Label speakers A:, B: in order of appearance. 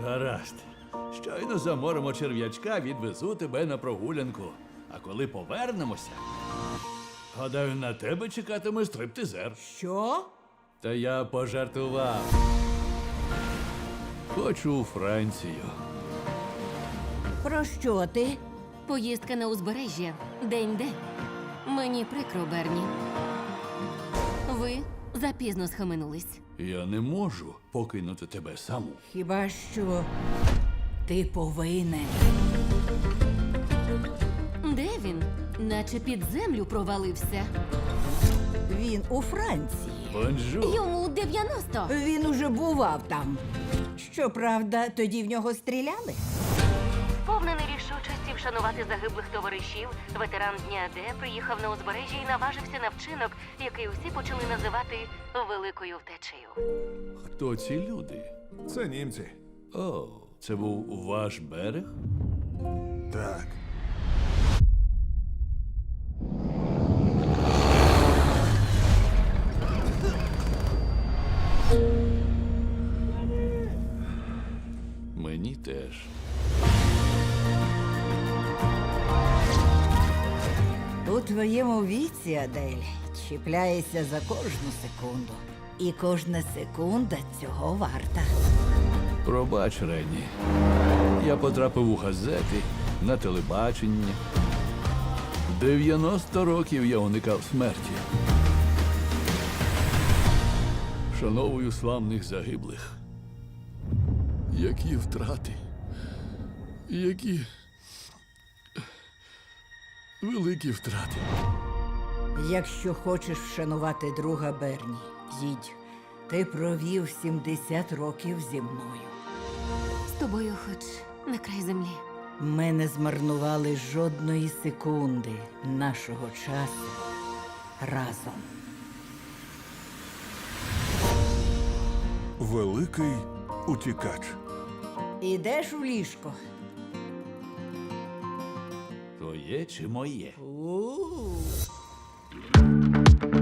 A: Гаразд. Щойно заморимо черв'ячка, відвезу тебе на прогулянку. А коли повернемося, гадаю, на тебе чекатиме стриптизер.
B: Що?
A: Та я пожартував. Хочу у Францію.
B: Про що ти?
C: Поїздка на узбережжя. День-де. Мені прикро, Берні. Ви запізно схаменулись.
A: Я не можу покинути тебе саму.
B: Хіба що ти повинен.
C: Де він? Наче під землю провалився.
B: Він у Франції.
A: Бонжур.
C: Йому 90.
B: Він уже бував там. Щоправда, тоді в нього стріляли.
C: Повнений рішучості вшанувати загиблих товаришів, ветеран Дня Д приїхав на узбережжя і наважився на вчинок, який усі почали називати великою втечею.
A: Хто ці люди?
D: Це німці.
A: О, це був ваш берег?
D: Так.
A: Мені теж.
B: У твоєму віці, Адель, чіпляєшся за кожну секунду. І кожна секунда цього варта.
A: Пробач, Ренні. Я потрапив у газети, на телебачення. 90 років я уникав смерті. Вшановую славних загиблих. Які втрати. Які великі втрати.
B: Якщо хочеш вшанувати друга Берні, їдь. Ти провів 70 років зі мною.
C: З тобою хоч на край землі.
B: Ми не змарнували жодної секунди нашого часу разом.
D: Великий утікач.
B: Ідеш у ліжко?
A: Твоє чи моє?
B: У-у-у.